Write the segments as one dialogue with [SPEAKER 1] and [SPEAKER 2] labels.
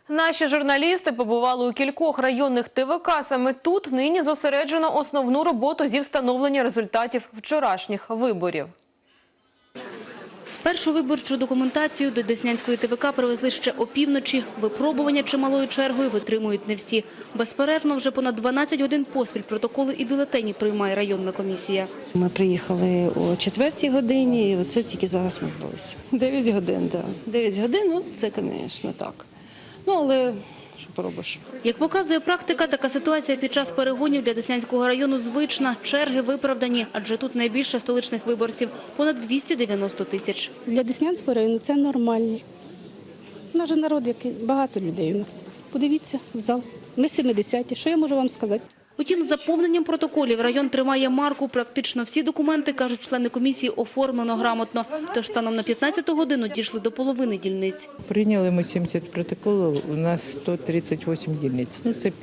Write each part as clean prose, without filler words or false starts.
[SPEAKER 1] Наші журналісти побували у кількох районних ТВК. Саме тут нині зосереджено основну роботу зі встановлення результатів вчорашніх виборів.
[SPEAKER 2] Першу виборчу документацію до Деснянської ТВК привезли ще опівночі. Випробування чималою чергою витримують не всі. Безперервно вже понад 12 годин поспіль протоколи і бюлетені приймає районна комісія.
[SPEAKER 3] Ми приїхали о 4-й годині і оце тільки зараз ми здалися. 9 годин, так. 9 годин, ну це, звісно, так. Ну, але що поробиш?
[SPEAKER 2] Як показує практика, така ситуація під час перегонів для Деснянського району звична. Черги виправдані, адже тут найбільше столичних виборців – понад 290 тисяч.
[SPEAKER 4] Для Деснянського району це нормально. Наш народ, який багато людей у нас. Подивіться в зал. Ми 70-ті. Що я можу вам сказати?
[SPEAKER 2] Утім, з заповненням протоколів район тримає марку. Практично всі документи, кажуть члени комісії, оформлено грамотно. Тож станом на 15-ту годину дійшли до половини дільниць.
[SPEAKER 5] Прийняли ми 70 протоколів, у нас 138 дільниць. Ну, це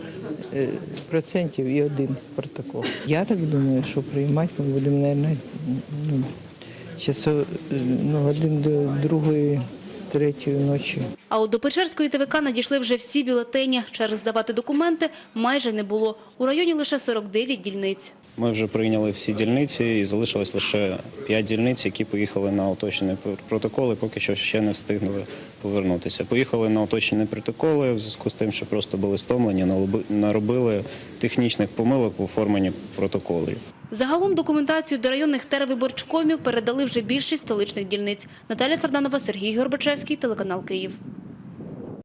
[SPEAKER 5] 50% і один протокол. Я так думаю, що приймати ми будемо, мабуть, годин до 2-3 ночі.
[SPEAKER 2] А от до Печерської ТВК надійшли вже всі бюлетені. Черг здавати документи майже не було. У районі лише 49 дільниць.
[SPEAKER 6] Ми вже прийняли всі дільниці і залишилось лише 5 дільниць, які поїхали на уточнені протоколи, поки що ще не встигнули повернутися. Поїхали на уточнені протоколи в зв'язку з тим, що просто були стомлені, наробили технічних помилок в оформленні протоколів.
[SPEAKER 2] Загалом документацію до районних тервиборчкомів передали вже більшість столичних дільниць. Наталя Сарданова, Сергій Горбачевський, телеканал «Київ».